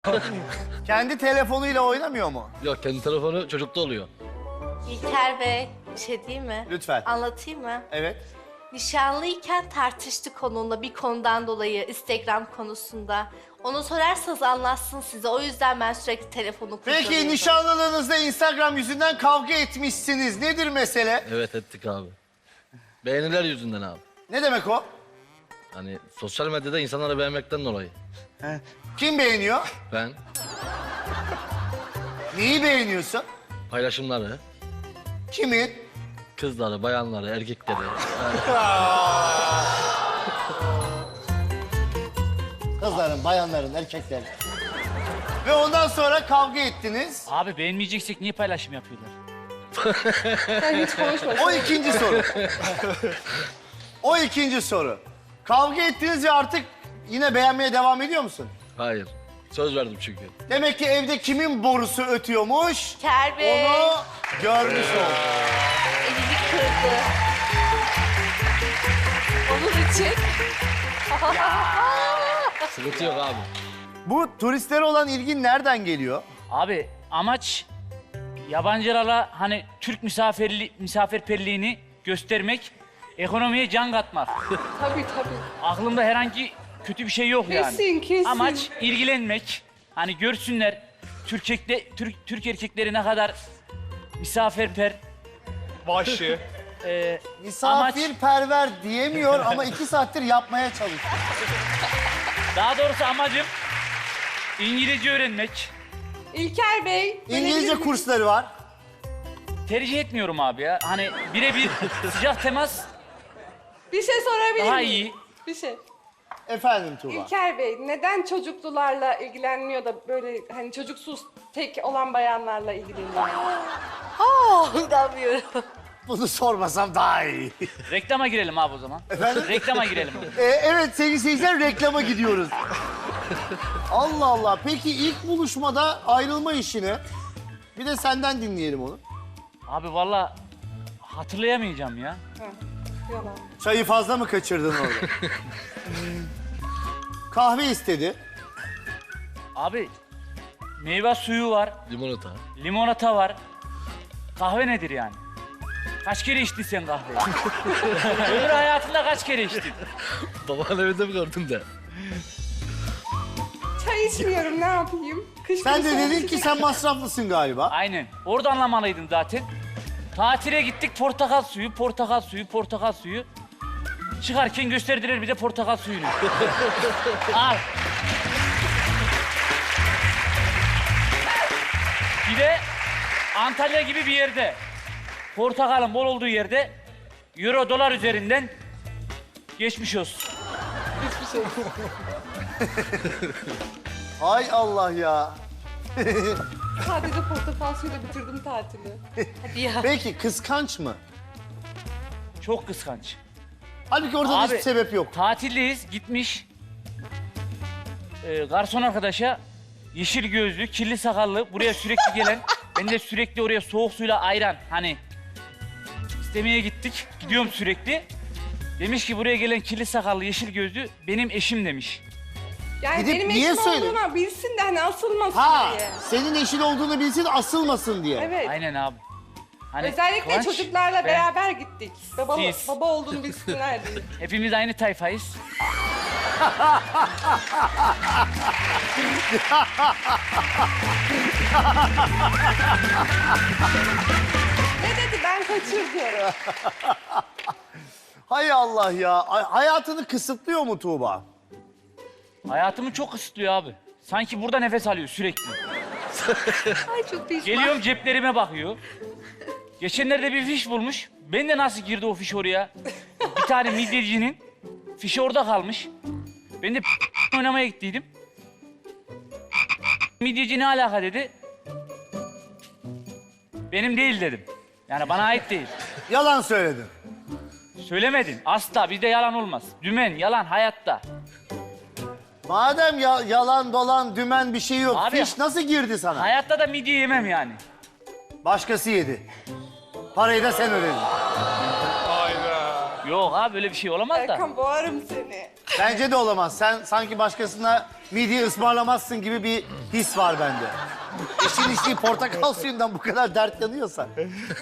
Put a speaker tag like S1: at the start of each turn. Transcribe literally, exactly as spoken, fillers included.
S1: Kendi telefonuyla oynamıyor mu?
S2: Yok, kendi telefonu çocukta oluyor.
S3: İlker Bey, bir şey değil mi?
S1: Lütfen.
S3: Anlatayım mı?
S1: Evet.
S3: Nişanlıyken tartıştık onunla bir konudan dolayı, Instagram konusunda. Onu sorarsanız anlatsın size. O yüzden ben sürekli telefonu kullanıyorum.
S1: Peki nişanlılığınızda Instagram yüzünden kavga etmişsiniz. Nedir mesele?
S2: Evet, ettik abi. Beğeniler yüzünden abi.
S1: Ne demek o?
S2: Hani sosyal medyada insanları beğenmekten dolayı.
S1: Kim beğeniyor?
S2: Ben
S1: Neyi beğeniyorsun?
S2: paylaşımları,
S1: Kimin?
S2: kızları, bayanları, erkekleri.
S1: Kızların, bayanların, erkeklerin. Ve ondan sonra kavga ettiniz.
S4: Abi beğenmeyeceksek niye paylaşım yapıyorlar?
S5: Sen hiç konuşma.
S1: O ikinci soru. O ikinci soru. Kavga ettiniz ve artık yine beğenmeye devam ediyor musun?
S2: Hayır. Söz verdim çünkü.
S1: Demek ki evde kimin borusu ötüyormuş?
S3: İlker Bey,
S1: Onu görmüş olduk.
S3: elini kırdı. Onun için.
S2: Sıkıntı yok abi.
S1: Bu turistlere olan ilgin nereden geliyor?
S4: Abi amaç yabancılara hani Türk misafirli, misafirperliğini göstermek, ekonomiye can katmak.
S5: Tabii tabii.
S4: Aklımda herhangi kötü bir şey yok yani.
S5: Kesin, kesin.
S4: Amaç ilgilenmek. Hani görsünler Türk, erkekle- Türk, Türk erkekleri ne kadar misafirper.
S6: Başı.
S4: E,
S1: Misafirperver diyemiyor ama iki saattir yapmaya çalışıyor.
S4: daha doğrusu amacım İngilizce öğrenmek.
S5: İlker Bey.
S1: İngilizce
S5: verebilir-
S1: kursları var.
S4: Tercih etmiyorum abi ya. Hani birebir sıcak temas
S5: Bir şey sorabilir
S4: daha
S5: miyim?
S4: iyi.
S5: Bir şey.
S1: Efendim Tuğba.
S5: İlker Bey neden çocuklularla ilgilenmiyor da böyle hani çocuksuz tek olan bayanlarla ilgileniyor?
S3: Aa, inanmıyorum.
S1: Bunu sormasam daha iyi.
S4: Reklama girelim abi o zaman.
S1: Efendim?
S4: Reklama girelim.
S1: Ee, evet sevgili seyirciler reklama gidiyoruz. Allah Allah. Peki ilk buluşmada ayrılma işini bir de senden dinleyelim onu.
S4: Abi vallahi hatırlayamayacağım ya.
S5: Ha, yalan.
S1: Çayı fazla mı kaçırdın orada? Kahve istedi.
S4: Abi meyve suyu var,
S2: Limonata.
S4: limonata var. Kahve nedir yani? Kaç kere içtin sen kahveyi? Ömür hayatında kaç kere içtin?
S2: Babanın evinde mi gördün de?
S5: Çay içmiyorum ne yapayım? Kış
S1: Sen de
S5: günü
S1: dedin
S5: soğuk
S1: ki
S5: içecek-
S1: sen masraflısın galiba.
S4: Aynen. Orada anlamalıydın zaten. Tatile gittik portakal suyu, portakal suyu, portakal suyu. Çıkarken gösterdiler bize portakal suyunu. Al. Bir de Antalya gibi bir yerde, portakalın bol olduğu yerde euro dolar üzerinden geçmiş olsun.
S1: Ay Allah ya.
S5: Sadece portakal suyuyla bitirdim tatili.
S3: Hadi ya.
S1: Peki kıskanç mı?
S4: Çok kıskanç.
S1: Halbuki orada da
S4: Abi,
S1: hiçbir sebep yok.
S4: Tatildeyiz, gitmiş. Ee, garson arkadaşa yeşil gözlü, kirli sakallı, buraya sürekli gelen, ben de sürekli oraya soğuk suyla ayran, hani istemeye gittik, gidiyorum sürekli. Demiş ki buraya gelen kirli sakallı, yeşil gözlü benim eşim demiş.
S5: Yani
S1: Gidip
S5: benim
S1: niye
S5: eşim
S1: söyle-
S5: olduğunu bilsin de hani asılmasın
S1: Ha,
S5: diye.
S1: senin eşin olduğunu bilsin asılmasın diye.
S5: Evet.
S4: Aynen abi. Hani
S5: Özellikle
S4: Kıvanç
S5: çocuklarla
S4: ve
S5: beraber gittik. Baba,
S4: Siz.
S5: baba olduğunu bilsinler diye.
S4: hepimiz aynı tayfayız.
S5: Ne dedi ben kaçırdım.
S1: Hay Allah ya. Ay- hayatını kısıtlıyor mu Tuğba?
S4: Hayatımı çok kısıtlıyor abi. Sanki burada nefes alıyor sürekli.
S3: Ay çok pişman.
S4: Geliyorum ceplerime bakıyor. Geçenlerde bir fiş bulmuş. Ben de nasıl girdi o fiş oraya? Bir tane midyecinin fişi orada kalmış. Ben de oynamaya gittiydim. Midyeci ne alaka dedi. Benim değil dedim. Yani bana ait değil.
S1: Yalan söyledin.
S4: Söylemedin. Asla bizde yalan olmaz. Dümen, yalan hayatta.
S1: Madem ya, yalan dolan dümen bir şey yok.
S4: Abi-
S1: Fiş nasıl girdi sana?
S4: Hayatta da midye yemem yani.
S1: Başkası yedi. Parayı da sen ödedin.
S6: Hayda.
S4: Yok abi böyle bir şey olamaz da.
S5: Erkan boğarım seni.
S1: Bence de olamaz. Sen sanki başkasına midye ısmarlamazsın gibi bir his var bende. Eşin içtiği portakal suyundan bu kadar dert yanıyorsa.